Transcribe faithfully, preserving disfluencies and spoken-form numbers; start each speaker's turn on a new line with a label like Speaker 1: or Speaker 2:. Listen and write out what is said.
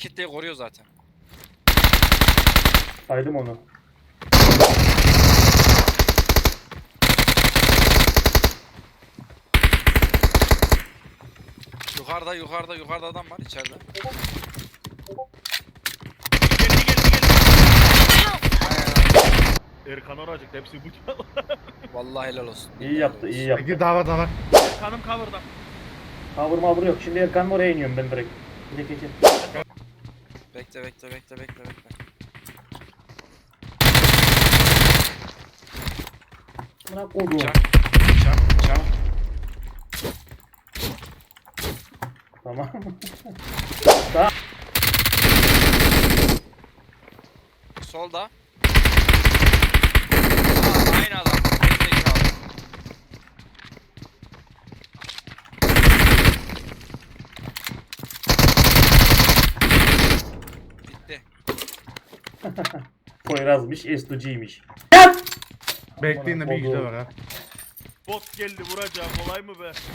Speaker 1: kitleyi koruyor zaten.
Speaker 2: Saydım onu.
Speaker 1: Yukarıda yukarıda yukarıda adam var içeride.
Speaker 3: Geldi geldi geldi. Erkan oracık hepsi bıçak.
Speaker 1: Vallahi helal olsun.
Speaker 2: İyi yaptı, iyi yaptı.
Speaker 4: Ege daha var daha var.
Speaker 3: Erkan'ım cover'da.
Speaker 2: Cover mavur yok. Şimdi Erkan'ın oraya iniyorum ben direkt. Gidek geçin.
Speaker 1: Bekle bekle bekle bekle bekle.
Speaker 2: Bırak oğlum.
Speaker 1: Çak çak çak.
Speaker 2: Tamam.
Speaker 1: Solda. Aa, aynı adam. Gerizekalı. Bitti.
Speaker 2: Poyraz'mış, Estuji'ymiş.
Speaker 4: Bekleyin de bir güzel var ha.
Speaker 3: Bot geldi vuracağım kolay mı be?